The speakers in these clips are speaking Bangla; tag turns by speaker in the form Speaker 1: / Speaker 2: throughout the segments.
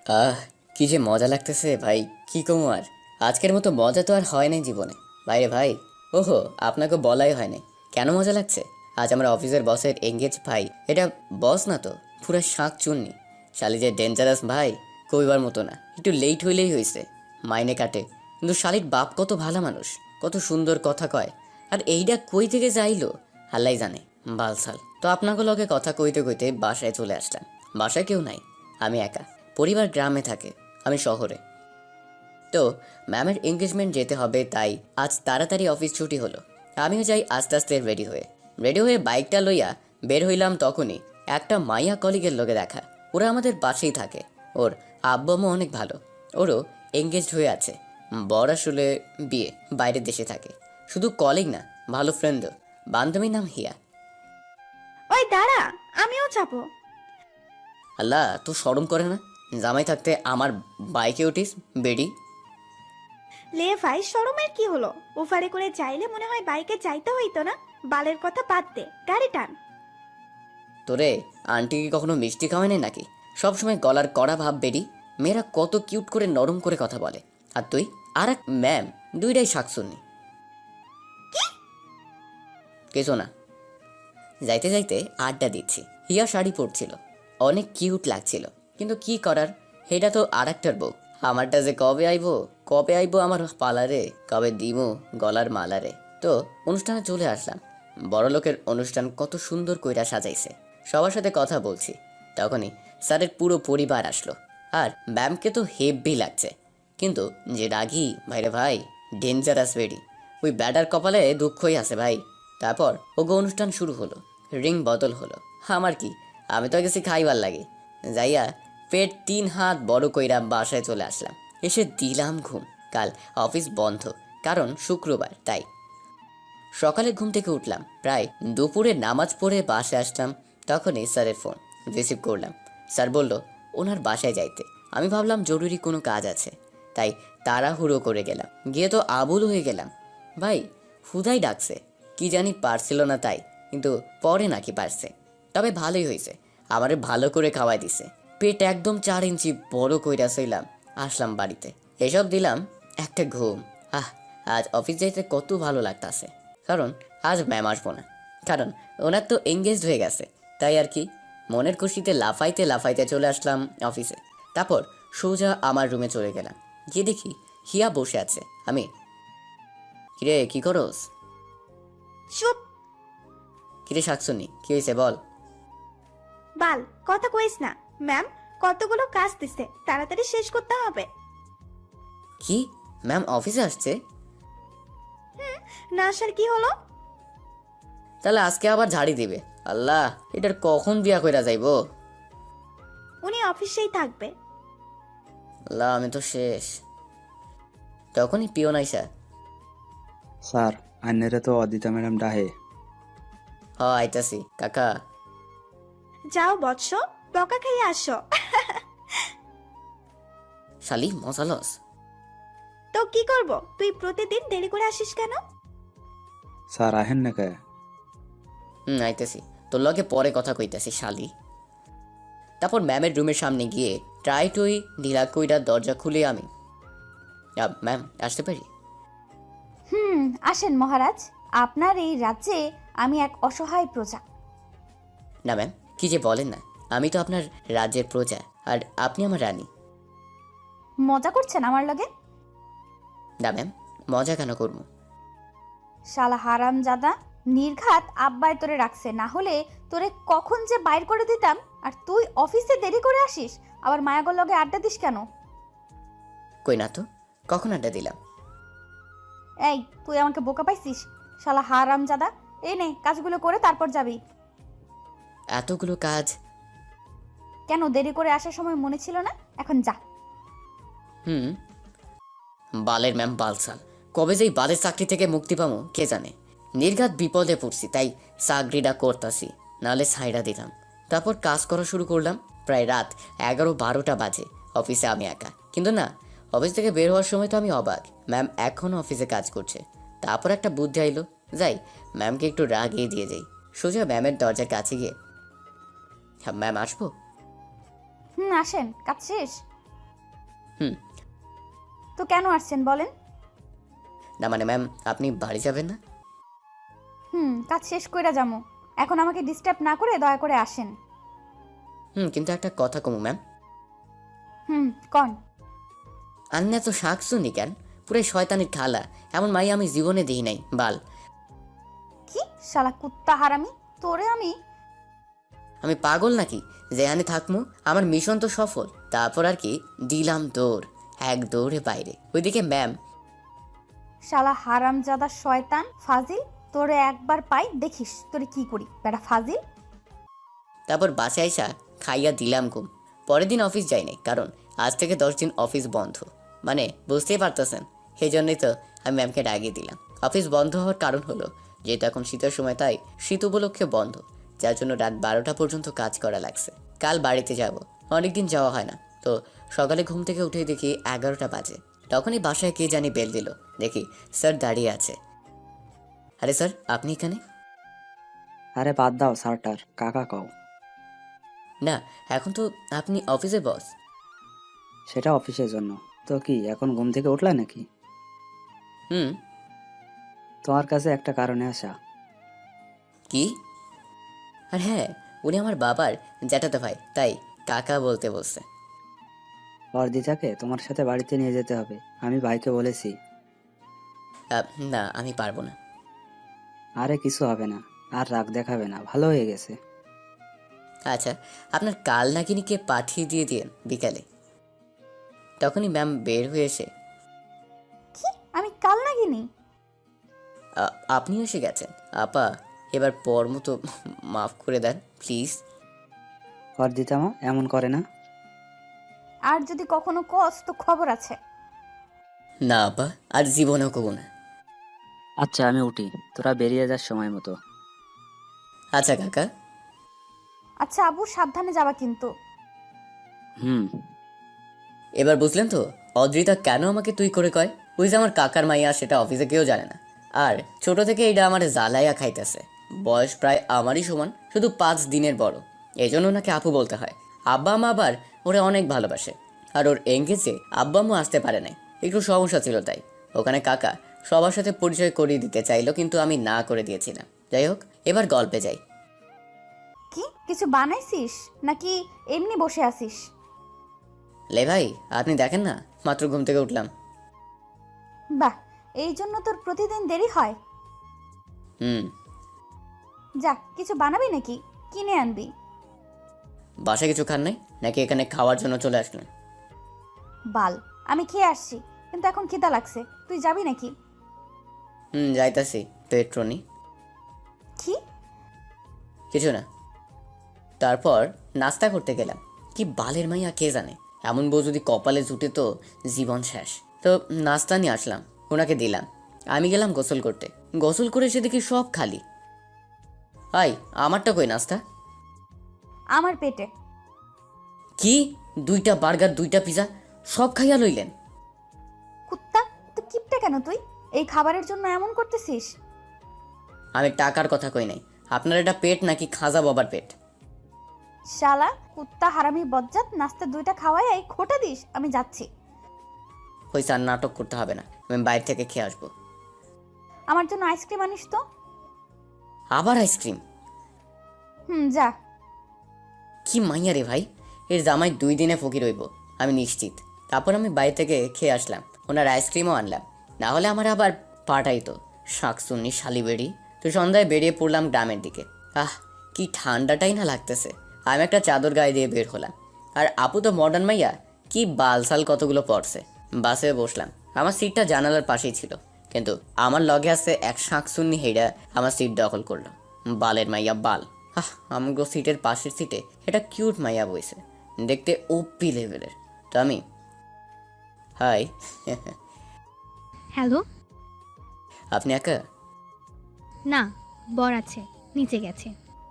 Speaker 1: আহ কি যে মজা লাগতেছে ভাই, কি কমু আর। আজকের মতো মজা তো আর হয় নাই জীবনে। ভাইরে ভাই, ওহো আপনাকে বলাই হয় নাই। কেন মজা লাগছে? আজ আমার অফিসের বসের এঙ্গেজ ভাই। এটা বস না তো, পুরা শাঁক চুন্নি। শালি যে ডেঞ্জারাস ভাই, কইবার মতো না। একটু লেট হইলেই হয়েছে, মাইনে কাটে। কিন্তু শালির বাপ কত ভালো মানুষ, কত সুন্দর কথা কয়। আর এইটা কই থেকে যাইলো আল্লাই জানে। বালসাল তো আপনাকে লগে কথা কইতে কইতে বাসায় চলে আসলাম। বাসায় কেউ নাই, আমি একা। পরিবার গ্রামে থাকে, আমি শহরে। তো ম্যামের এঙ্গেজমেন্ট যেতে হবে, তাই আজ তাড়াতাড়ি অফিস ছুটি হলো। আমিও যাই আস্তে আস্তে রেডি হয়ে বাইকটা লইয়া বের হইলাম। তখনই একটা মাইয়া কলিগের লগে দেখা। ওরা আমাদের পাশেই থাকে। ওর আব্বা আম্মা অনেক ভালো। ওরও এঙ্গেজড হয়ে আছে। বর আসলে বিয়ে, বাইরের দেশে থাকে। শুধু কলিগ না, ভালো ফ্রেন্ডও। বান্ধবীর নাম হিয়া।
Speaker 2: ওই দাঁড়া, আমিও যাবো।
Speaker 1: আল্লাহ, তো শরম করে না? জামাই থাকতে আমার বাইকে উঠিস বেডি।
Speaker 2: লে ভাই, শরমের কি হলো? ওভারে করে চাইলে মনে হয় বাইকে যাইতে হইতো না। বালের কথা বাদ দে, গাড়ি টান।
Speaker 1: তোরে আন্টি কি কখনো মিষ্টি খাওয়ায় নাই নাকি? সবসময় গলার কড়া ভাব বেরি। মেয়েরা কত কিউট করে নরম করে কথা বলে, আর তুই আর এক ম্যাম, দুইটাই শাকসুন্নি। কিছু না। যাইতে যাইতে আড্ডা দিচ্ছি। হিয়া শাড়ি পরছিল, অনেক কিউট লাগছিল। কিন্তু কি করার, এটা তো আর একটার বউ। আমারটা যে কবে আইবো আমার পালারে, কবে দিমু গলার মালারে। তো অনুষ্ঠানে চলে আসলাম। বড় লোকের অনুষ্ঠান কত সুন্দর কইরা সাজাইছে। সবার সাথে কথা বলছি, তখনই স্যারের পুরো পরিবার আসলো। আর ম্যামকে তো হেব্বি লাগছে। কিন্তু যে রাগী ভাইরে ভাই, ডেঞ্জারাস বেডি। ওই ব্যাটার কপালে দুঃখই আছে ভাই। তারপর ওগো অনুষ্ঠান শুরু হলো, রিং বদল হলো। আমার কি, আমি তো গেছি খাইবার লাগে। যাইয়া পেট 3 হাত বড় কইরা বাসায় চলে আসলাম। এসে দিলাম ঘুম। কাল অফিস বন্ধ, কারণ শুক্রবার, তাই সকালে ঘুম থেকে উঠলাম। প্রায় দুপুরে নামাজ পড়ে বাসায় আসলাম। তখনই স্যারের ফোন রিসিভ করলাম। স্যার বলল ওনার বাসায় যাইতে। আমি ভাবলাম জরুরি কোনো কাজ আছে, তাই তাড়াহুড়ো করে গেলাম। গিয়ে তো আবুল হয়ে গেলাম। ভাই হুদাই ডাকছে, কি জানি পারছিল না তাই, কিন্তু পরে নাকি পারছে। তবে ভালোই হয়েছে, আমারে ভালো করে খাওয়াই দিছে। পেট একদম 4 ইঞ্চি বড় কইরা সইলাম। আসলাম বাড়িতে, এসব দিলাম একটা ঘুম। আহ, আজ অফিস যাইতে কত ভালো লাগতাছে। কারণ আজ ম্যাম আসবো না, কারণ ওনার তো এঙ্গেজড হয়ে গেছে। তাই আর কি, মনের খুশিতে লাফাইতে লাফাইতে চলে আসলাম অফিসে। তারপর সোজা আমার রুমে চলে গেলাম। গিয়ে দেখি হিয়া বসে আছে। আমি, কিরে কি করস?
Speaker 2: চুপ।
Speaker 1: কিরে শাকসুনি, কি হয়েছে বল।
Speaker 2: বাল, কথা কইস না। ম্যাম কতগুলো কাজ দিছে, তাড়াতাড়ি শেষ করতে হবে।
Speaker 1: কি, ম্যাম অফিসে আসছে?
Speaker 2: না আসার কি হলো?
Speaker 1: তাহলে আজকে আবার ঝাড়ি দিবে। আল্লাহ, এটার কখন বিয়া কইরা যাইবো।
Speaker 2: উনি অফিসেই থাকবে।
Speaker 1: আল্লাহ, আমি তো শেষ। তখনই পিয়ন আইসা,
Speaker 3: স্যার, আন্নেরে তো অদিতা ম্যাডাম ডাহে।
Speaker 1: হ আইতাছি কাকা।
Speaker 2: যাও বৎস, বকা খাইয়ে আসো।
Speaker 1: শালি মশালস।
Speaker 2: তো কি করব, তুই প্রতিদিন দেরি করে আসিস কেন?
Speaker 3: স্যার আহেন না কে?
Speaker 1: আইতেছি, তোর লগে পরে কথা কইতাছি শালি। তারপর ম্যামের রুমের সামনে গিয়ে ট্রাই টুই ঢিলা কইরা দরজা খুলে আমি, ম্যাম আসতে পারি?
Speaker 4: আসেন মহারাজ। আপনার এই রাজ্যে আমি এক অসহায় প্রজা।
Speaker 1: না ম্যাম, কি যে বলেন না, আমি তো আপনার রাজ্যের প্রজা, আর আপনি আমার রানী।
Speaker 4: মজা করছেন আমার লগে?
Speaker 1: না ম্যাম, মজা কেন করবো?
Speaker 4: শালা হারাম জাদা, নির্ঘাত আব্বাই তোরে রাখছে, না হলে তোরে কখন যে বাইর করে দিতাম। আর তুই অফিসে দেরি করে আসিস, আবার মায়াগর লগে আড্ডা দিস কেন?
Speaker 1: কই না তো, কখন আড্ডা দিলাম?
Speaker 4: এই, তুই আমাকে বোকা পাইছিস? শালা হারাম জাদা, এই নে কাজগুলো করে তারপর যাবি।
Speaker 1: এতগুলো কাজ।
Speaker 4: কেন দেরি করে আসার সময় মনে ছিল না? এখন যা।
Speaker 1: হুম, বালের ম্যাম বালসাল। কবে যেই বালের চাকরি থেকে মুক্তি পাবো কে জানে। নির্ঘাত বিপদে পড়ছি, তাই চাকরিটা করতাছি, নাহলে ছাইড়া দিতাম। তারপর কাজ করা শুরু করলাম। প্রায় রাত 11-12টা বাজে। অফিসে আমি একা, কিন্তু না, অফিস থেকে বের হওয়ার সময় তো আমি অবাক, ম্যাম এখনও অফিসে কাজ করছে। তারপর একটা বুদ্ধি আইলো, যাই ম্যামকে একটু রাগিয়ে দিয়ে যাই। সোজা ম্যামের দরজার কাছে গিয়ে, হ্যাঁ ম্যাম আসবো?
Speaker 4: আসেন, কাজ শেষ?
Speaker 1: হুম।
Speaker 4: তো কেন আসছেন বলেন?
Speaker 1: না মানে ম্যাম, আপনি বাড়ি যাবেন না?
Speaker 4: কাজ শেষ কইরা যামু। এখন আমাকে ডিস্টার্ব না করে দয়া করে আসেন।
Speaker 1: কিন্তু একটা কথা কমু ম্যাম।
Speaker 4: কন।
Speaker 1: আন্না তো শাক শুনি কেন? পুরাই শয়তানের খালা। এমন মাই আমি জীবনে দিই নাই বাল।
Speaker 4: কি শালা কুত্তা হারামি, তোরে আমি।
Speaker 1: আমি পাগল নাকি যেখানে থাকমু? আমার মিশন তো সফল। তারপর আর কি, দিলাম দৌড়, এক দৌড়ে বাইরে। ওইদিকে ম্যাম।
Speaker 4: শালা হারামজাদা শয়তান ফাজিল, তোরে একবার পাই দেখিস তোরে কি করি বেটা ফাজিল।
Speaker 1: তারপর বাসায় আইসা খাইয়া দিলাম ঘুম। পরের দিন অফিস যাই নাই, কারণ আজ থেকে 10 দিন অফিস বন্ধ। মানে বুঝতেই পারতেছেন, সেই জন্যই তো আমি ম্যামকে ডাকিয়ে দিলাম। অফিস বন্ধ হওয়ার কারণ হলো যেহেতু এখন শীতের সময়, তাই শীত উপলক্ষে বন্ধ, যার জন্য রাত 12টা পর্যন্ত কাজ করা লাগছে। কাল বাড়িতে যাব, অনেকদিন যাওয়া হয় না। তো সকালে ঘুম থেকে উঠে দেখি 11টা বাজে। তখনই বাসায় কে জানি বেল দিল। দেখি স্যার দাঁড়িয়ে আছে। আরে স্যার, আপনি এখানে?
Speaker 3: আরে বাদ দাও স্যারটার, কাকা কও।
Speaker 1: না, এখন তো আপনি অফিসে বস।
Speaker 3: সেটা অফিসের জন্য। তো কি এখন ঘুম থেকে উঠলা নাকি?
Speaker 1: হুম।
Speaker 3: তোমার কাছে একটা কারণে আসা।
Speaker 1: কি? আর হ্যাঁ, উনি আমার বাবার জ্যাঠাতো ভাই, তাই কাকা বলতে বলছে।
Speaker 3: অর্দিতাকে তোমার সাথে বাড়িতে নিয়ে যেতে হবে, আমি ভাইকে বলেছি।
Speaker 1: না, আমি পারবো না।
Speaker 3: আরে কিছু হবে না, আর রাগ দেখাবে না, ভালো হয়ে গেছে।
Speaker 1: আচ্ছা, আপনার কাল নাকিনিকে পাঠিয়ে দিয়ে দিন বিকালে। তখনই ম্যাম বের হয়ে এসে,
Speaker 4: কি আমি কাল নাগিনি?
Speaker 1: আপনি এসে গেছেন আপা, এবার পর মতো মাফ করে দেন প্লিজ।
Speaker 3: অর্দিতা মা এমন করে না।
Speaker 4: আর যদি কখনো কস তো খবর আছে।
Speaker 1: না আপা, আর জীবনেও কব না।
Speaker 3: আচ্ছা আমি উঠি, তোরা বেরিয়ে যাস সময় মতো।
Speaker 1: আচ্ছা কাকা।
Speaker 4: আচ্ছা আবু, সাবধানে যাবা কিন্তু।
Speaker 3: হুম।
Speaker 1: এবার বুঝলেন তো অদ্রিতা কেন আমাকে তুই করে কয়? ওই যে আমার কাকার মাইয়া, সেটা অফিসে কেউ জানে না। আর ছোট থেকে এটা আমার জ্বালাইয়া খাইতেছে। বয়স প্রায় আমারই সমান, শুধু 5 দিনের বড়। এই জন্য ওনাকে আপু বলতে হয়। আব্বা মা আবার ওরে অনেক ভালোবাসে। আর ওর এঙ্গেজে আব্বা আম্মু আসতে পারে নাই, একটু সমস্যা ছিল, তাই ওখানে কাকা সবার সাথে পরিচয় করিয়ে দিতে চাইলো, কিন্তু আমি না করে দিয়েছিলাম। যাই হোক, এবার গল্পে যাই।
Speaker 4: কি কিছু বানাইছিস নাকি এমনি বসে আছিস?
Speaker 1: লে ভাই, আপনি দেখেন না, মাত্র ঘুম থেকে উঠলাম।
Speaker 4: বাহ, এই জন্য তোর প্রতিদিন দেরি হয়।
Speaker 1: হুম।
Speaker 4: যা কিছু বানাবি নাকি কিনে আনবি?
Speaker 1: বাসায় কিছু খান নাই নাকি এখানে খাওয়ার জন্য চলে আসলেন?
Speaker 4: বাল, আমি খেয়ে আসছি, কিন্তু এখন খিদা লাগছে, তুই যাবি নাকি?
Speaker 1: যাইতাছি, পেট্রোনি।
Speaker 4: কি?
Speaker 1: কিছু না। তারপর নাস্তা করতে গেলাম। কি বালের মাইয়া কে জানে, এমন বউ যদি কপালে জুটে তো জীবন শেষ। তো নাস্তা নিয়ে আসলাম, ওনাকে দিলাম। আমি গেলাম গোসল করতে। গোসল করে এসে দেখি সব খালি। হাই, আমারটা কই নাস্তা?
Speaker 4: আমার পেটে।
Speaker 1: কি? 2টা বার্গার, 2টা পিজা, সব খাইয়া লইলেন?
Speaker 4: কুত্তা, তো কিপটা কেন তুই? এই খাবারের জন্য এমন করতেছিস?
Speaker 1: আমি টাকার কথা কই নাই। আপনার এটা পেট নাকি খাজা বাবার পেট?
Speaker 4: শালা কুত্তা হারামি বজ্জাত, নাস্তা 2টা খাওয়াই এই খোটা দিস। আমি যাচ্ছি।
Speaker 1: হয়েছে, আর নাটক করতে হবে না, আমি বাইরে থেকে খেয়ে আসবো।
Speaker 4: আমার জন্য আইসক্রিম আনিস তো।
Speaker 1: আবার আইসক্রিম?
Speaker 4: যা।
Speaker 1: কি মাইয়া রে ভাই, এর জামাই 2 দিনে ফকির হইব আমি নিশ্চিত। তারপর আমি বাইরে থেকে খেয়ে আসলাম, ওনার আইসক্রিমও আনলাম, না হলে আমার আবার পাঠাইতো শাকসুন্নি শালিবেড়ি। তো সন্ধ্যায় বেরিয়ে পড়লাম গ্রামের দিকে। কি ঠান্ডাটাই না লাগতেছে। আমি একটা চাদর গায়ে দিয়ে বের হলাম। আর আপু তো মডার্ন মাইয়া, কি বালসাল কতগুলো পড়ছে। বাসে বসলাম, আমার সিটটা জানালার পাশেই ছিল, কিন্তু আমার লগে আছে এক শাকসুন্নি হেইডা আমার সিট দখল করলো। বালের মাইয়া বাল। আমগো সিটের পাশের সিটে এটা কিউট মাইয়া বইছে, দেখতে ওপি লেভেলের। তো আমি হাই।
Speaker 5: হ্যালো।
Speaker 1: আপনি একা?
Speaker 5: না, বর আছে, নিচে গেছে।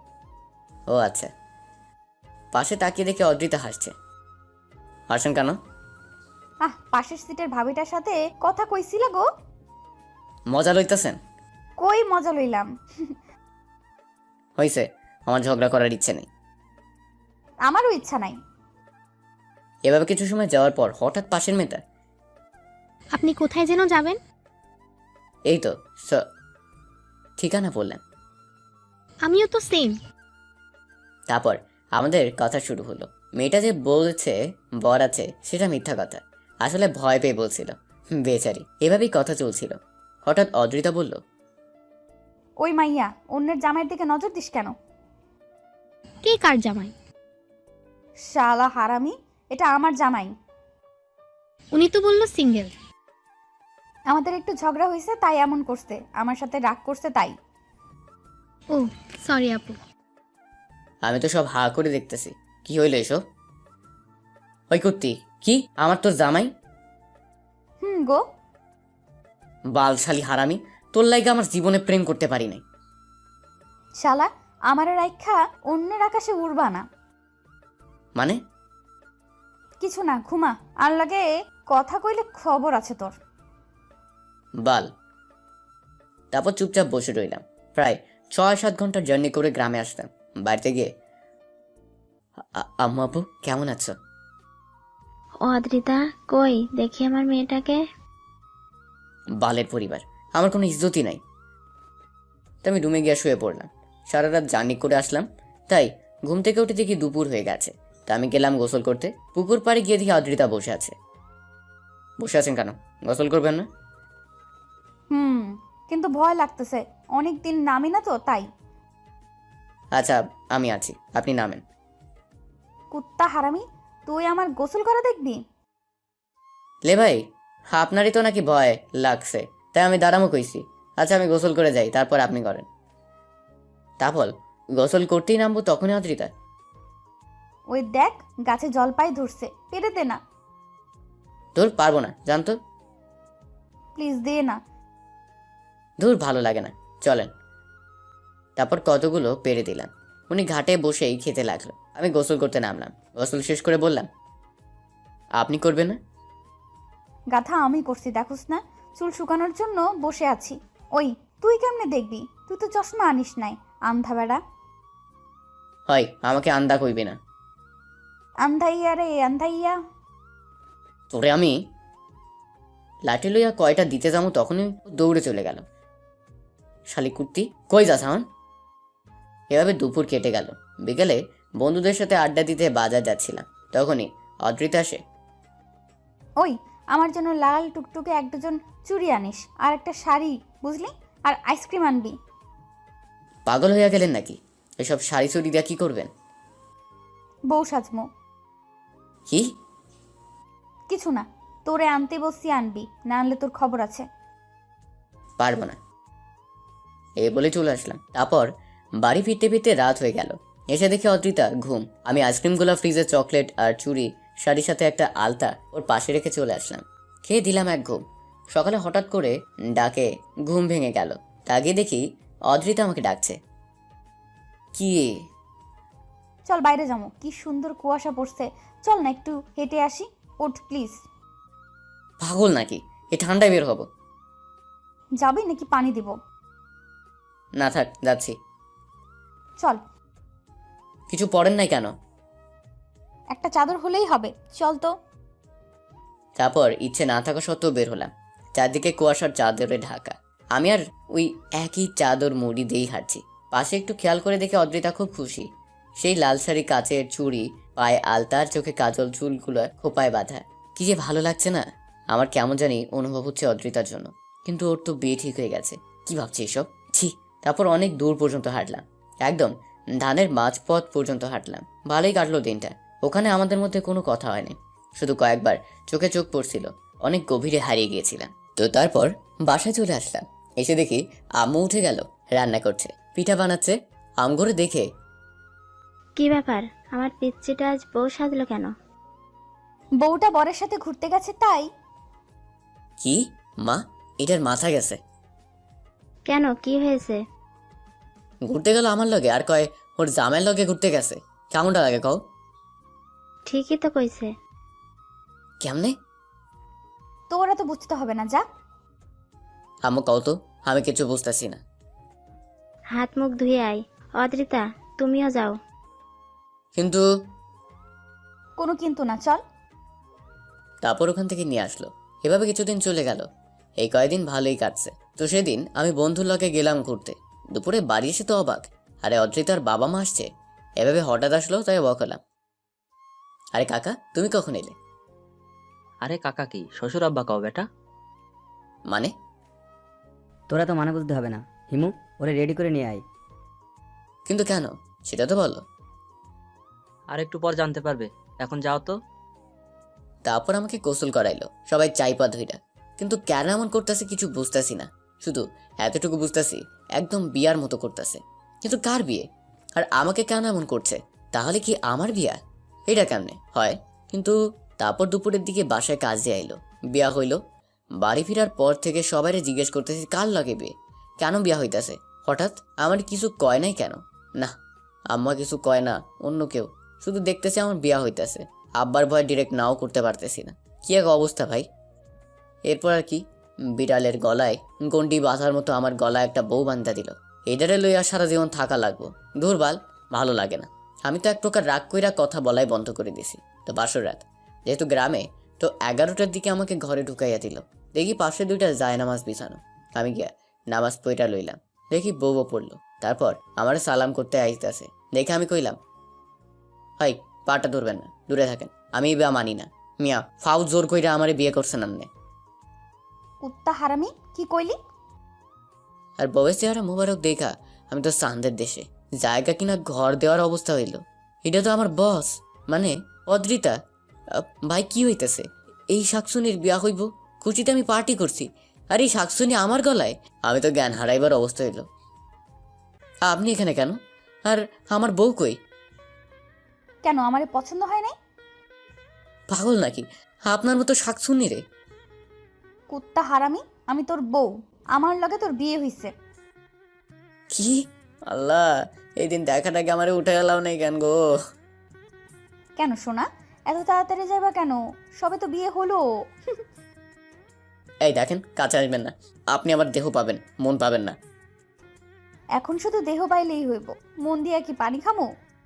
Speaker 1: ও আচ্ছা। পাশে তাকিয়ে দেখে অদ্রিতা হাসছে। হাসেন কেন?
Speaker 4: পাশের সিটের ভাবিটার সাথে কথা কইছিলা গো।
Speaker 1: মজা লইতেছেন?
Speaker 4: কই মজা লইলাম?
Speaker 1: হয়েছে, আমার ঝগড়া করার ইচ্ছে নেই।
Speaker 4: আমারও ইচ্ছা নাই।
Speaker 1: এভাবে কিছু সময় যাওয়ার পর হঠাৎ পাশের মেয়েটা,
Speaker 5: আপনি কোথায় যেন যাবেন?
Speaker 1: এই তো ঠিকানা বললেন।
Speaker 5: আমিও তো সেম।
Speaker 1: তারপর আমাদের কথা শুরু হলো। মেয়েটা যে বলেছে বর আছে সেটা মিথ্যা কথা, আসলে ভয় পেয়ে বলছিল। বেচারি। এভাবেই কথা চলছিল। হঠাৎ অদ্রিতা বলল,
Speaker 4: ওই মাইয়া, অন্যের জামাইয়ের দিকে নজর দিস কেন?
Speaker 5: কে কার জামাই?
Speaker 4: শালা হারামি, এটা আমার জামাই।
Speaker 5: উনি তো বললো সিঙ্গেল।
Speaker 4: আমাদের একটু ঝগড়া হয়েছে তাই এমন করছে, আমার সাথে রাগ করছে তাই।
Speaker 5: ও সরি আপু।
Speaker 1: আমি তো সব হা করে দেখতেছি। কি হইলো এসব? ওই কুত্তি, কি আমার তোর জামাই?
Speaker 4: গো।
Speaker 1: বালশালী হারামি, তোর লাইগা আমার জীবনে প্রেম করতে পারি নাই।
Speaker 4: শালা, আমার রাইখা অন্যের আকাশে উড়বা না।
Speaker 1: মানে?
Speaker 4: কিছু না, ঘুমা। আর লাগে কথা কইলে খবর আছে তোর।
Speaker 1: বাল। তারপর চুপচাপ বসে রইলাম। প্রায় 6-7 ঘন্টার জার্নি করে গ্রামে আসতাম। বাড়িতে গিয়ে, আম্মু আপু কেমন আছো?
Speaker 6: ও আদ্রিতা, কই দেখি আমার মেয়েটাকে।
Speaker 1: বালের পরিবার, আমার কোনো ইজ্জতই নাই। তো আমি রুমে গিয়ে শুয়ে পড়লাম। সারা রাত জার্নি করে আসলাম, তাই ঘুম থেকে উঠে দেখি দুপুর হয়ে গেছে। তা আমি গেলাম গোসল করতে। পুকুর পাড়ে গিয়ে দেখি অদ্রিতা বসে আছে। বসে আছেন কেন? গোসল করবেন না?
Speaker 4: কিন্তু ভয় লাগতেছে, অনেক দিন নামি না তো তাই।
Speaker 1: আচ্ছা, আমি আছি, আপনি নামেন।
Speaker 4: কুত্তা হারামি, তুই আমার গোসল করা দেখবি?
Speaker 1: লে ভাই, আপনারই তো নাকি ভয় লাগছে, তাই আমি দাঁড়ামো কইছি। আচ্ছা আমি গোসল করে যাই, তারপর আপনি করেন। তারপর গোসল করতেই নামবো, তখনই অদ্রিতা,
Speaker 4: ওই দেখ, গাছে জলপাই ধরছে, পেরে দে না।
Speaker 1: ধুর পারবো না, জানতো।
Speaker 4: প্লিজ দে না।
Speaker 1: ধুর ভালো লাগে না, চলেন। তারপর কতগুলো পেরে দিলাম। উনি ঘাটে বসেই খেতে লাগলো। আমি গোসল করতে নামলাম। গোসল শেষ করে বললাম, আপনি করবেন না?
Speaker 4: গাথা আমি করছি, দেখোস না? চুল শুকানোর জন্য বসে আছি। ওই, তুই কেমনে দেখবি? তুই তো চশমা আনিস নাই, আন্ধা বেড়া।
Speaker 1: হয়, আমাকে আন্দা কইবে না।
Speaker 4: আন্ধাইয়া রে আন্ধাইয়া।
Speaker 1: তোরে আমি লাঠি লইয়া কয়টা দিতে যাবো, তখনই দৌড়ে চলে গেল। শালি কুর্তি, কই যাস আমার? এভাবে দুপুর কেটে গেল। বিকেলে বন্ধুদের সাথে আড্ডা দিতে বাজার যাচ্ছিলাম, তখনই অদ্রিতা আসে।
Speaker 4: ওই, আমার জন্য লাল টুকটুকে এক ডজন চুড়ি আনিস, আর একটা শাড়ি, বুঝলি? আর আইসক্রিম আনবি।
Speaker 1: পাগল হইয়া গেলেন নাকি? এসব শাড়ি চুড়ি দিয়া কি করবেন?
Speaker 4: বউ সাজমো।
Speaker 1: কি?
Speaker 4: কিছু না, তোরে আনতে বসছি, আনবি, না আনলে তোর খবর আছে।
Speaker 1: পারবো না, এই বলে চলে আসলাম। তারপর বাড়ি ফিরতে ফিরতে রাত হয়ে গেল। এসে দেখি অদ্রিতা ঘুম। আমি আইসক্রিমগুলো ফ্রিজে, চকলেট আর চুড়ি, শাড়ির সাথে একটা আলতা ওর পাশে রেখে চলে আসলাম। খেয়ে দিলাম এক ঘুম। সকালে হঠাৎ করে ডাকে ঘুম ভেঙে গেল। তাকে দেখি অদ্রিতা আমাকে ডাকছে। কি?
Speaker 4: চল বাইরে যাবো, কি সুন্দর কুয়াশা পড়ছে, চল না একটু হেঁটে আসি। ওঠ প্লিজ।
Speaker 1: পাগল নাকি? এ ঠান্ডায় বের হবো?
Speaker 4: যাবি নাকি পানি দিব?
Speaker 1: না থাক, যাচ্ছি।
Speaker 4: চল।
Speaker 1: কিছু পড়েন নাই কেন?
Speaker 4: একটা চাদর হলেই হবে, চল তো।
Speaker 1: তারপর ইচ্ছে না থাকা সত্ত্বেও বের হলাম। চারদিকে কুয়াশার চাদরে ঢাকা। আমি আর ওই একই চাদর মুড়ি দিয়েই হাঁটছি। পাশে একটু খেয়াল করে দেখে অদ্রিতা খুব খুশি। সেই লাল শাড়ি, কাচের চুড়ি, পায়ে আলতার, চোখে কাজল, চুলগুলো খোপায় বাঁধা। কি যে ভালো লাগছে না। আমার কেমন জানি অনুভব হচ্ছে অদ্রিতার জন্য। কিন্তু ওর তো বিয়ে ঠিক হয়ে গেছে। কি ভাবছি এসব? ছি। তারপর অনেক দূর পর্যন্ত হাঁটলাম, একদম ধানের মাঝপথ পর্যন্ত হাঁটলাম। ভালোই কাটলো দিনটা। ওখানে আমাদের মধ্যে কোনো কথা হয়নি, শুধু কয়েকবার চোখে চোখ পড়ছিল। অনেক গভীরে হারিয়ে গিয়েছিলাম। তো তারপর বাসায় চলে আসলাম। এসে দেখি আম্মু উঠে গেল, রান্না করছে, পিঠা বানাচ্ছে। আমগরে দেখে,
Speaker 6: কি ব্যাপার, আমার পিচ্চিটা আজ বউ সাজলো কেন?
Speaker 4: বউটা বরের সাথে ঘুরতে গেছে তাই।
Speaker 1: কি মা, এটার মাথা গেছে?
Speaker 6: কেন, কি হয়েছে?
Speaker 1: ঘুরতে গেল আমার লগে, আর কয় ওর জামাইয়ের লগে ঘুরতে গেছে। কেমনটা লাগে কও?
Speaker 6: ঠিকই তো কইছে।
Speaker 1: কেমনে?
Speaker 4: তোরা তো বুঝতে হবে না, যা।
Speaker 1: আম্মু কও তো, আমি কিছু বুঝতেছি না।
Speaker 6: হাত মুখ ধুয়ে আয়। অদ্রিতা, তুমিও যাও।
Speaker 1: কিন্তু
Speaker 4: কোনো কিন্তু না, চল।
Speaker 1: তারপর ওখান থেকে নিয়ে আসলো। এভাবে কিছুদিন চলে গেল। এই কয়েকদিন ভালোই কাটছে। তো সেদিন আমি বন্ধুর লগে গেলাম ঘুরতে। দুপুরে বাড়ি এসে তো অবাক, আরে অদ্রিতার বাবা মা আসছে। এভাবে হঠাৎ আসলো, তাই অবাক হলাম। আরে কাকা, তুমি কখন এলে?
Speaker 7: আরে কাকা কি শ্বশুর আব্বা কও বেটা?
Speaker 1: মানে?
Speaker 8: তোরা তো মানা বুঝতে হবে না। হিমু, ওরে রেডি করে নিয়ে আয়।
Speaker 1: কিন্তু কেন সেটা তো বলো।
Speaker 7: আর একটু পর জানতে পারবে, এখন যাও তো।
Speaker 1: তারপর আমাকে গোসল করাইলো, সবাই চাইপা ধইরা। কিন্তু কেন এমন করতেছে কিছু বুঝতেছি না। শুধু এতটুকু বুঝতেছি, একদম বিয়ার মতো করতেছে। কিন্তু কার বিয়ে? আর আমাকে কেন এমন করছে? তাহলে কি আমার বিয়া? এটা কেমনে হয়? কিন্তু তারপর দুপুরের দিকে বাসায় কাজে আইলো, বিয়া হইলো। বাড়ি ফেরার পর থেকে সবাইরে জিজ্ঞেস করতেছি কার লাগে বিয়ে, কেন বিয়া হইতাছে। হঠাৎ আমার কিছু কয় নাই কেন? না, আম্মা কিছু কয় না, অন্য কেউ। শুধু দেখতেছি আমার বিয়া হইতাছে। আব্বার ভয় ডিরেক্ট নাও করতে পারতেছি না। কি এক অবস্থা ভাই। এরপর আর কি, বিড়ালের গলায় গন্ডি বাঁধার মতো আমার গলায় একটা বউ বান্ধা দিল। এটারে লইয়া সারা জীবন থাকা লাগবো। দুর্বাল, ভালো লাগে না। আমি তো এক প্রকার রাগ কইরা কথা বলাই বন্ধ করে দিছি। তো বাসর রাত যেহেতু গ্রামে, তো 11টার দিকে আমাকে ঘরে ঢুকাইয়া দিল। দেখি পাশে 2টা জায়নামাজ বিছানো। আমি গিয়া নামাজ পইরা লইলাম। দেখি বউও পড়লো। তারপর আমার সালাম করতে আইতাছে দেখে আমি কইলাম, হাই, পাটা ধরবেন না, দূরে থাকেন। আমি বিয়া মানি না। মিয়া ফাউ জোর কইরা আমারে বিয়ে করছেন আন্নে।
Speaker 4: কুত্তা হারামি, কি কইলি?
Speaker 1: আর বউয়ের চেহারা মোবারক দেখা আমি তো চাঁদের দেশে। জায়গা কিনা ঘর দেওয়ার অবস্থা হইল। এটা তো আমার বস, মানে অদ্রিতা। ভাই কি হইতেছে? এই শাকসুনির বিয়া হইব, খুশিতে আমি পার্টি করছি, আর এই শাকসুনি আমার গলায়। আমি তো জ্ঞান হারাইবার অবস্থা হইল। আপনি এখানে কেন? আর আমার বউ কই?
Speaker 4: কেন, আমারে পছন্দ হয় নাই?
Speaker 1: পাগল নাকি? আপনার মতো শাকসুনি রে।
Speaker 4: কুত্তা হারামি, আমি তোর বউ, আমার লগে তোর বিয়ে হইছে।
Speaker 1: কি? আল্লাহ, এই দিন দেখাটাকে আমারে উঠে গেলাম নাই কেন গো?
Speaker 4: কেন সোনা, এত তাড়াতাড়ি যাবা কেন? সবে তো বিয়ে হলো।
Speaker 1: এই দেখেন, কাছে আসবেন না। আপনি আমার দেহ পাবেন, মন পাবেন না।
Speaker 4: এখন শুধু দেহ পাইলেই হইব, মন দিয়া কি পানি খামো?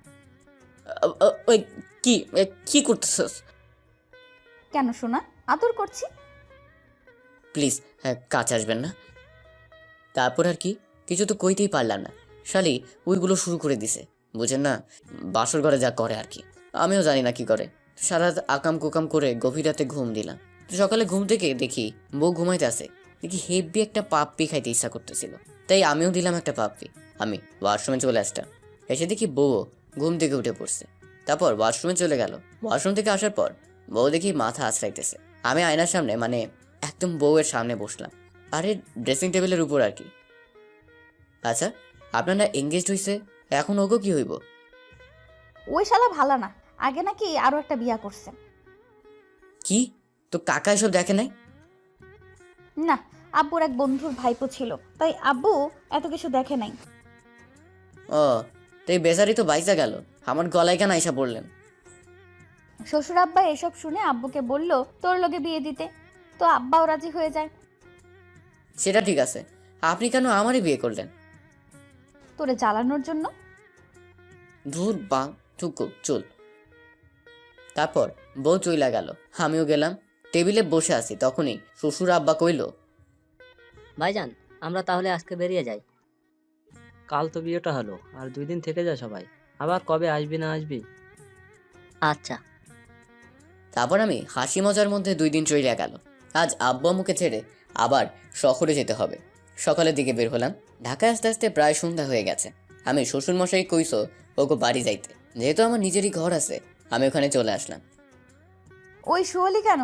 Speaker 1: ওই কি করতেছস?
Speaker 4: কেন সোনা, আদর করছি।
Speaker 1: প্লিজ, কাছে আসবেন না। তারপর আর কি, কিছু তো কইতেই পারলাম না। শালি ওইগুলো শুরু করে দিছে, বুঝেন না? বাসর ঘরে যা করে আর কি, আমিও জানি না কি করে। সারা রাত আকাম কুকাম করে গভীর রাতে ঘুম দিলাম। তো সকালে ঘুম থেকে দেখি বউ ঘুমাইতে আছে। দেখি হেভি একটা পাপ্পি খাইতে ইচ্ছা করতেছিল, তাই আমিও দিলাম একটা পাপ্পি। আমি ওয়াশরুমে চলে আসতাম, এসে দেখি বউও ঘুম থেকে উঠে পড়ছে। তারপর ওয়াশরুমে চলে গেল। ওয়াশরুম থেকে আসার পর বউ দেখি মাথা আছড়াইতেছে। আমি আয়নার সামনে, মানে একদম বউয়ের সামনে বসলাম, আরে ড্রেসিং টেবিলের উপর আর কি। আচ্ছা, আপনারা এঙ্গেজড হইছে, এখন ওগো কি হইব?
Speaker 4: ওই শালা ভালো না, আগে নাকি আরো একটা বিয়া করছে।
Speaker 1: কি? তো কাকা এসব দেখে নাই?
Speaker 4: না, আব্বুর এক বন্ধুর ভাইপো ছিল, তাই আব্বু এত কিছু দেখে নাই।
Speaker 1: ও, তো এই বেচারি তো বাইসা গেল, আমার গলায় কেন আইসা পড়লেন?
Speaker 4: শ্বশুর আব্বা এসব শুনে আব্বুকে বলল তোর লগে বিয়ে দিতে, তো আব্বাও রাজি হয়ে যায়।
Speaker 1: সেটা ঠিক আছে, আপনি কেন আমারই বিয়ে করলেন?
Speaker 4: তোরে জ্বালানোর জন্য।
Speaker 1: ধুর বা থুকু চুল। তারপর বউ চইলা গেল, আমিও গেলাম। টেবিলে বসে আছি, তখনই শ্বশুর আব্বা কইল,
Speaker 8: ভাইজান, আমরা তাহলে আজকে বেরিয়ে যাই।
Speaker 7: কাল তো বিয়েটা হলো, আর 2 দিন থেকে যা সবাই। আবার কবে আসবি না আসবি?
Speaker 8: আচ্ছা।
Speaker 1: তারপর আমি হাসি মজার মধ্যে 2 দিন চইলা গেল। আজ আব্বু আম্মুকে ছেড়ে আবার শহরে যেতে হবে। সকালের দিকে বের হলাম। ঢাকায় আস্তে আস্তে প্রায় সন্ধ্যা হয়ে গেছে। আমি শ্বশুর মশাই কইছো ওকে বাড়ি যাইতে, যেহেতু আমার নিজেরই ঘর আছে, আমি ওখানে চলে আসলাম।
Speaker 4: ওই শুয়লি কেন?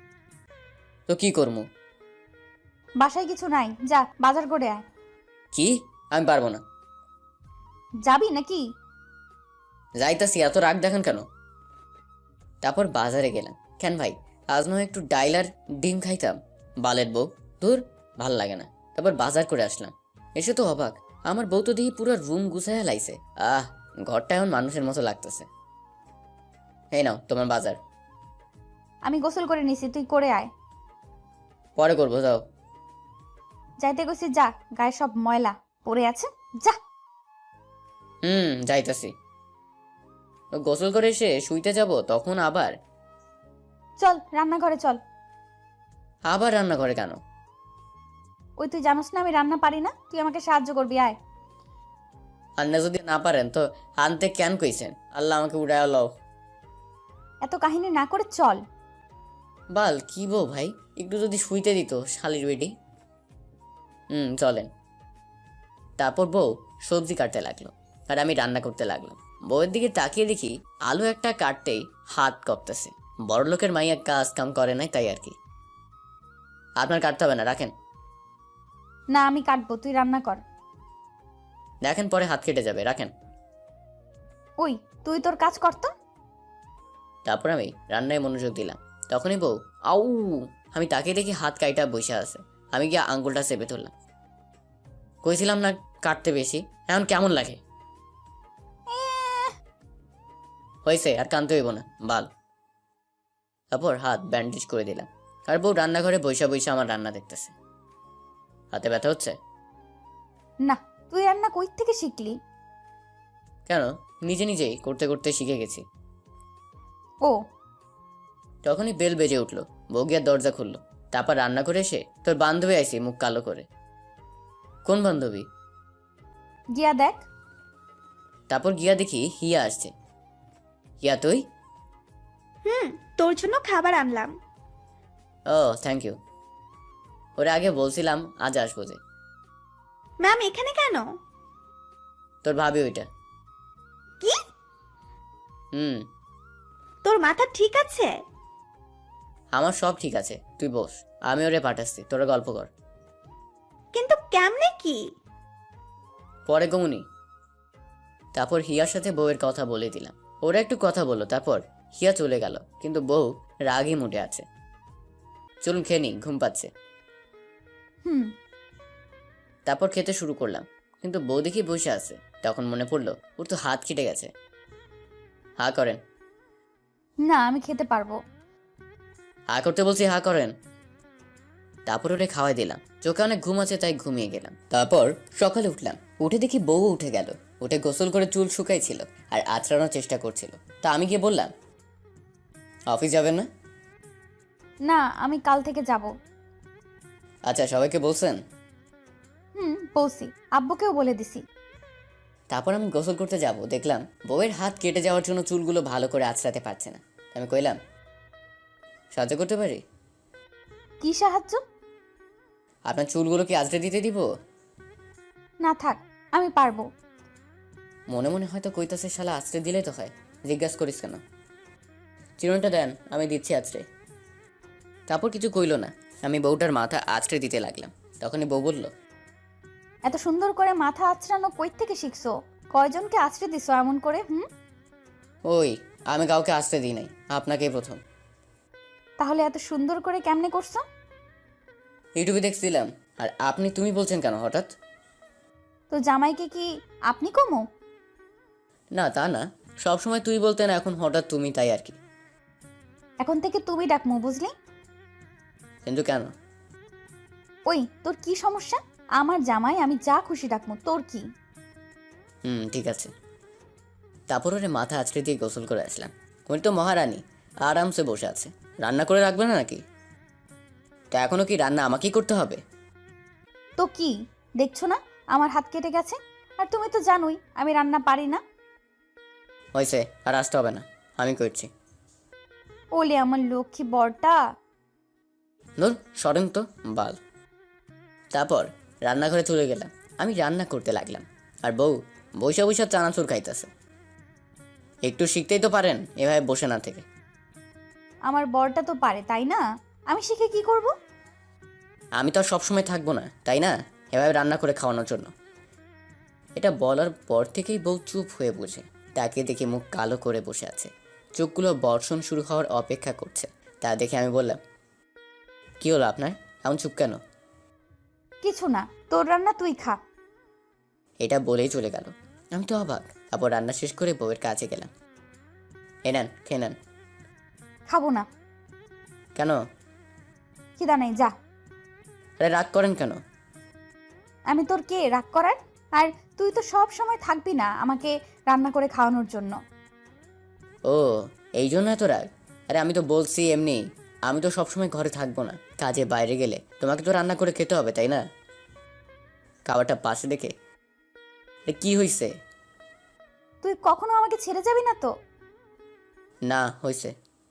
Speaker 1: তো কি করবো?
Speaker 4: বাসায় কিছু নাই, যা বাজার করে আয়।
Speaker 1: কি? আমি পারবো না।
Speaker 4: যাবি নাকি?
Speaker 1: যাইতাছি, এত রাগ দেখান কেন? তারপর বাজারে গেলাম। কেন ভাই, আজ নয় একটু ডাইল আর ডিম খাইতাম। বালের বউ, ধুর, ভাল লাগে না। তারপর বাজার করে আসলাম। এসে তো অবাক, আমার বউ তো দেখি পুরো রুম গুছাইয়া লাইছে। ঘরটা এখন মানুষের মতো লাগতেছে। এই নাও তোমার বাজার।
Speaker 4: আমি গোসল করে নিছি, তুই করে আয়।
Speaker 1: পরে করবো, যাও।
Speaker 4: যাইতে গেছি, যা, গায়ে সব ময়লা পড়ে আছে, যা।
Speaker 1: যাইতাছি। গোসল করে এসে শুইতে যাব, তখন আবার
Speaker 4: চল রান্নাঘরে চল।
Speaker 1: আবার রান্না করে কেন?
Speaker 4: ওই তুই জানোস না আমি রান্না পারি না, তুই আমাকে সাহায্য করবি, আয়।
Speaker 1: আন্না যদি না পারেন তো আনতে কেন কইছেন? আল্লাহ আমাকে উড়ায় লও।
Speaker 4: এত কাহিনী না করে চল।
Speaker 1: বাল কি বউ ভাই, একটু যদি শুইতে দিত শালির বেটি। চলেন। তারপর বউ সবজি কাটতে লাগলো আর আমি রান্না করতে লাগলাম। বউয়ের দিকে তাকিয়ে দেখি আলু একটা কাটতেই হাত কপতেছে। বড় লোকের মাইয়া কাজ কাম করে নাই তাই আর কি। আপনার কাটতে হবে না, রাখেন।
Speaker 4: না আমি কাটবো, তুই রান্না কর।
Speaker 1: দেখেন পরে হাত কেটে যাবে, রাখেন।
Speaker 4: ওই তুই তোর কাজ কর তো।
Speaker 1: তারপর আমি রান্নায় মনোযোগ দিলাম। তখনই বউ আউ, আমি তাকিয়ে দেখি হাত কাইটা বসে আছে। আমি গিয়ে আঙ্গুলটা চেপে ধরলাম। কইছিলাম না কাটতে বেশি, এখন কেমন লাগে? হয়েছে, আর কানতে হইব না, বাল। তারপর হাত ব্যান্ডেজ করে দিলাম। আর বউ রান্নাঘরে বৈশা বৈশা আমার রান্না দেখতেছে। হাতে ব্যথা হচ্ছে?
Speaker 4: না, তুই রান্না কই থেকে শিখলি?
Speaker 1: কেন, নিজে নিজেই করতে করতে শিখে গেছি।
Speaker 4: ও
Speaker 1: তখনই বেল বেজে উঠলো। বউ গিয়া দরজা খুললো। তারপর রান্না করে এসে তোর বান্ধবী আইসি মুখ কালো করে। কোন বান্ধবী?
Speaker 4: গিয়া দেখ।
Speaker 1: তারপর গিয়া দেখি হিয়া আসছে। হিয়া তুই?
Speaker 2: তোর জন্য খাবার আনলাম।
Speaker 1: ও থ্যাংক ইউ। ওরে আগে বলছিলাম আজ আসবো যে।
Speaker 2: ম্যাম এখানে কেন?
Speaker 1: তোর ভাবি ওইটা।
Speaker 2: কি? তোর মাথা ঠিক আছে?
Speaker 1: আমার সব ঠিক আছে, তুই বস। আমি ওরে পাঠাচ্ছি, তোরা গল্প কর।
Speaker 2: কিন্তু কেমনে কি?
Speaker 1: পরে গমুনি। তারপর হিয়ার সাথে বউয়ের কথা বলে দিলাম। ওরা একটু কথা বললো। তারপর হিয়া চলে গেল, কিন্তু বউ রাগই মুডে আছে। চলুন খেয়ে নি, ঘুম পাচ্ছে।
Speaker 4: হুম
Speaker 1: তারপর খেতে শুরু করলাম, কিন্তু বউ দেখি বসে আছে। তখন মনে পড়লো ওর তো হাত কেটে গেছে। হা করেন।
Speaker 4: না আমি খেতে পারবো।
Speaker 1: হা করতে বলছি, হা করেন। তারপর ওরে খাওয়াই দিলাম। চোখে অনেক ঘুম আছে তাই ঘুমিয়ে গেলাম। তারপর সকালে উঠলাম, উঠে দেখি বউ উঠে গেল। উঠে গোসল করে চুল শুকাইছিল আর আঁচড়ানোর চেষ্টা করছিল। তা আমি গিয়ে বললাম, অফিস যাবেন না?
Speaker 4: না আমি কাল থেকে যাব।
Speaker 1: আচ্ছা, সবাইকে বলছেন?
Speaker 4: বলছি, আব্বুকেও বলে দিছি।
Speaker 1: তারপর আমি গোসল করতে যাব, দেখলাম বউয়ের হাত কেটে যাওয়ার জন্য চুলগুলো ভালো করে আঁচড়াতে পারছে না। আমি কইলাম, সাহায্য করতে পারি?
Speaker 4: কি সাহায্য?
Speaker 1: আপনার চুলগুলো কি আঁচড়ে দিতে দিব?
Speaker 4: না থাক, আমি পারবো।
Speaker 1: মনে মনে হয়তো কইতাছে শালা আঁচড়ে দিলেই তো হয়, জিজ্ঞাসা করিস কেন? চিরুনটা দেন, আমি দিচ্ছি আঁচড়ে। তারপর কিছু কইলো না। আমি বউটার মাথা আঁচড়ে দিতে লাগলাম। তখনই বউ বলল,
Speaker 4: এত সুন্দর করে মাথা আঁচড়ানো কই থেকে শিখছো? কয়জনকে আঁচড়ে দিছো এমন করে?
Speaker 1: ওই আমি কাউকে আঁচড়ে দিই নাই, আপনাকেই প্রথম।
Speaker 4: তাহলে এত সুন্দর করে কেমনে করছো?
Speaker 1: ইউটিউবে দেখছিলাম। আর আপনি তুমি বলছেন কেন হঠাৎ?
Speaker 4: তো জামাইকে কি আপনি কমো?
Speaker 1: না তা না, সবসময় তুই বলতেন, এখন হঠাৎ তুমি, তাই আর কি।
Speaker 4: এখন থেকে তুমি ডাকমু, বুঝলি?
Speaker 1: কিন্তু কেন?
Speaker 4: ওই তোর কি সমস্যা? আমার জামাই, আমি যা খুশি ডাকমু, তোর কি?
Speaker 1: ঠিক আছে। তারপর ওরে মাথা আঁচড়ে দিয়ে গোসল করে আসলাম। উনি তো মহারানী, আরামসে বসে আছে। রান্না করে রাখবে না নাকি? তা এখনো কি রান্না আমাকেই করতে হবে?
Speaker 4: তো কি দেখছো না আমার হাত কেটে গেছে? আর তুমি তো জানোই আমি রান্না পারি না।
Speaker 1: হয়েছে, আর আসতে হবে না, আমি করছি।
Speaker 4: ওলে আমার লক্ষ্মী বরটা।
Speaker 1: ধুর সরেন তো, বাল। তারপর রান্নাঘরে চলে গেলাম। আমি রান্না করতে লাগলাম, আর বউ বৈশা বৈশা চানাচুর খাইতেছে। একটু শিখতেই তো পারেন এভাবে বসে না থেকে।
Speaker 4: আমার বরটা তো পারে, তাই না? আমি শিখে কি করব?
Speaker 1: আমি তো আর সবসময় থাকবো না, তাই না, এভাবে রান্না করে খাওয়ানোর জন্য। এটা বলার পর থেকেই বউ চুপ হয়ে বসে তাকে দেখে মুখ কালো করে বসে আছে। চোখগুলো বর্ষণ শুরু হওয়ার অপেক্ষা করছে। তা দেখে আমি বললাম, কি হলো আপনার, এমন চুপ কেন?
Speaker 4: কিছু না, তোর রান্না তুই খা।
Speaker 1: এটা বলেই চলে গেল। আমি তো অবাক। তারপর রান্না শেষ করে বউয়ের কাছে গেলাম। নেন, খেয়ে নেন।
Speaker 4: খাবো না।
Speaker 1: কেন?
Speaker 4: খিদা নেই, যা।
Speaker 1: আরে রাগ করেন কেন?
Speaker 4: আমি তোর কে রাগ করার? আর তুই তো সব সময় থাকবি না আমাকে রান্না করে খাওয়ানোর জন্য।
Speaker 1: ও এই জন্য এত রাগ? আরে আমি তো বলছি এমনি, আমি তো সবসময় ঘরে থাকবো না, কাজে বাইরে গেলে তোমাকে তো রান্না করে খেতে হবে তাই না? খাবারটা পাশে দেখে কি হয়েছে?
Speaker 4: তুই কখনো আমাকে ছেড়ে যাবি না তো?
Speaker 1: না হয়েছে।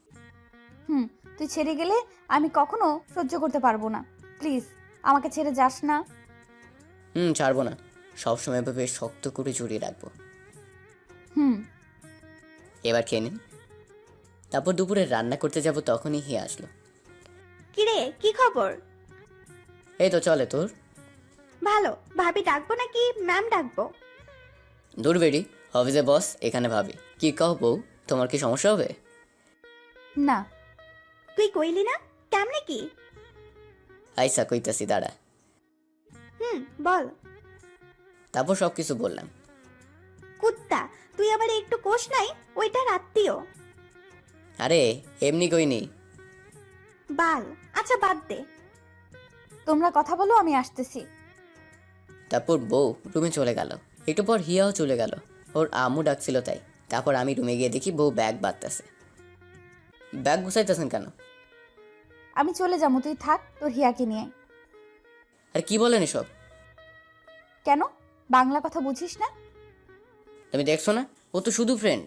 Speaker 4: তুই ছেড়ে গেলে আমি কখনো সহ্য করতে পারবো না। প্লিজ আমাকে ছেড়ে যাস না।
Speaker 1: ছাড়বো না, সবসময় এভাবে শক্ত করে জড়িয়ে রাখবো।
Speaker 4: হুম।
Speaker 1: এবার খেয়ে নিন। তারপর দুপুরে রান্না করতে যাব, তখনই হিয়া আসলো।
Speaker 2: কিরে, কি খবর?
Speaker 1: এই তো চলে তোর।
Speaker 2: ভালো। ভাবি ডাকবো নাকি ম্যাম ডাকবো?
Speaker 1: দূর বেরি, অফিসে বস, এখানে ভাবি। কি কও বউ, তোমার কি সমস্যা হবে?
Speaker 4: না।
Speaker 2: তুই কইলি না? কেমনে কি?
Speaker 1: আইসা কইতাছি দাঁড়া।
Speaker 2: বল।
Speaker 1: তারপর সব কিছু বললাম।
Speaker 2: কুত্তা, তুই আবার একটু কোষ নাই, ওইটা আত্মীয়।
Speaker 1: আরে এমনি কইনি।
Speaker 2: বাল। আচ্ছা বাদ দে।
Speaker 4: তোমরা কথা বলো, আমি আসতেছি।
Speaker 1: তারপর বউ রুমে চলে গেল। একটু পর হিয়াও চলে গেল, ওর আম্মু ডাকছিল তাই। তারপর আমি রুমে গিয়ে দেখি বউ ব্যাগ বাঁধতেছে। ব্যাগ গুছাইতেছেন কেন?
Speaker 4: আমি চলে যাবো, তুই থাক তোর হিয়াকে নিয়ে।
Speaker 1: আর কি বলেন এসব?
Speaker 4: কেন, বাংলা কথা বুঝিস না?
Speaker 1: তুমি দেখছো না, ও তো শুধু ফ্রেন্ড।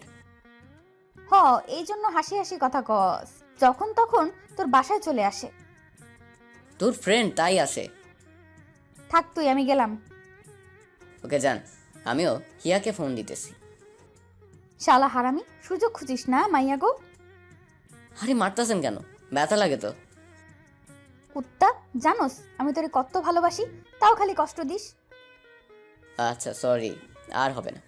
Speaker 4: এই জন্য হাসি হাসি কথা কস, যখন তখন তোর বাসায় চলে আসে।
Speaker 1: তোর ফ্রেন্ড তাই আসে।
Speaker 4: থাক তুই, আমি গেলাম।
Speaker 1: ওকে যান, আমিও হিয়াকে ফোন দিতেছি।
Speaker 4: শালা হারামি, সুযোগ খুঁজিস না মাইয়া গো।
Speaker 1: আরে মারতাছেন কেন, ব্যথা লাগে তো।
Speaker 4: কুত্তা, জানোস আমি তোরে কত ভালোবাসি, তাও খালি কষ্ট দিস।
Speaker 1: আচ্ছা সরি, আর হবে না।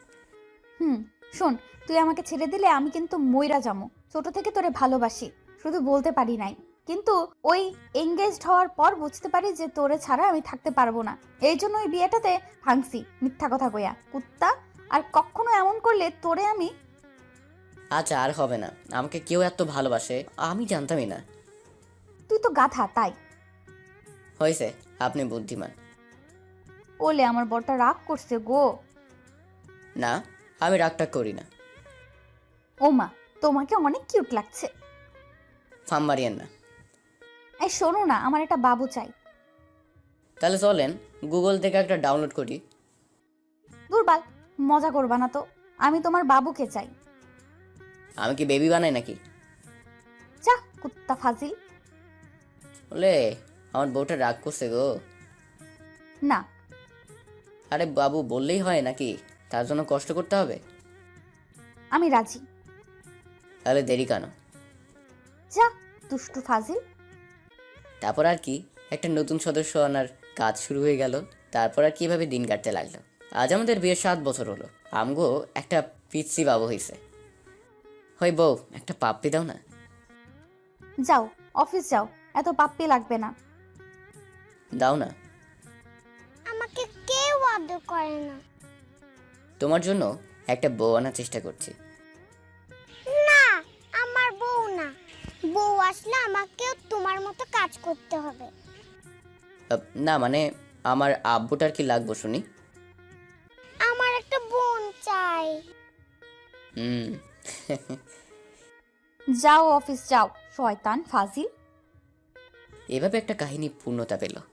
Speaker 4: শোন, তুই আমাকে ছেড়ে দিলে আমি কিন্তু মইরা যামু। ছোট থেকে তোরে ভালোবাসি, শুধু বলতে পারি নাই। কিন্তু ওই এঙ্গেজড হওয়ার পর বুঝতে পারি যে তোরে ছাড়া আমি থাকতে পারবো না। এই জন্য ওই বিয়েটাতে ভাঙছি মিথ্যা কথা কইয়া। কুত্তা, আর কখনো এমন করলে তোরে আমি।
Speaker 1: আচ্ছা আর হবে না, আমাকে কেউ এত ভালোবাসে আমি জানতামই না।
Speaker 4: তুই তো গাধা তাই।
Speaker 1: হয়েছে, আপনি বুদ্ধিমান।
Speaker 4: ওলে আমার বরটা রাগ করছে গো।
Speaker 1: না, আমি রাগটা করি না।
Speaker 4: ও মা, তোমাকে অনেক কিউট লাগছে।
Speaker 1: ফাম মারিয়েন না।
Speaker 4: এই শোনো না, আমার একটা বাবু চাই।
Speaker 1: তাহলে চলেন গুগল থেকে একটা ডাউনলোড করি।
Speaker 4: দুর্বাল, মজা করবা না তো। আমি তোমার বাবুকে চাই।
Speaker 1: আমি কি বেবি বানাই নাকি?
Speaker 4: যা কুত্তা ফাজিল।
Speaker 1: বলে আমার বউটা রাগ করছে গো।
Speaker 4: না।
Speaker 1: আরে বাবু বললেই হয় নাকি, তার জন্য কষ্ট করতে হবে?
Speaker 4: আমি রাজি।
Speaker 1: তাহলে দেরি কেন?
Speaker 4: যা দুষ্টু ফাজিল।
Speaker 1: তারপর আর কি, একটা নতুন সদস্য আনার কাজ শুরু হয়ে গেল। তারপর আর কিভাবে দিন কাটতে লাগলো। আজ আমাদের বিয়ের 7 বছর হলো। আমগো একটা পিচ্ছি বাবু হয়েছে। হই বউ, একটা পাপ্পি দাও না।
Speaker 4: যাও অফিস যাও, এত পাপ্পি লাগবে না।
Speaker 1: দাও না।
Speaker 9: আমাকে কেউ আদর করে না।
Speaker 1: তোমার জন্য একটা বউ আনার চেষ্টা করছি।
Speaker 9: না, আমার বউ না। বউ আসলে আমাকেও তোমার মতো কাজ করতে হবে।
Speaker 1: না মানে আমার আব্বুটার কি লাগবো শুনি?
Speaker 9: আমার একটা বোন চাই।
Speaker 4: যাও অফিস যাও, শয়তান ফাজিল।
Speaker 1: এভাবে একটা কাহিনী পূর্ণতা পেল।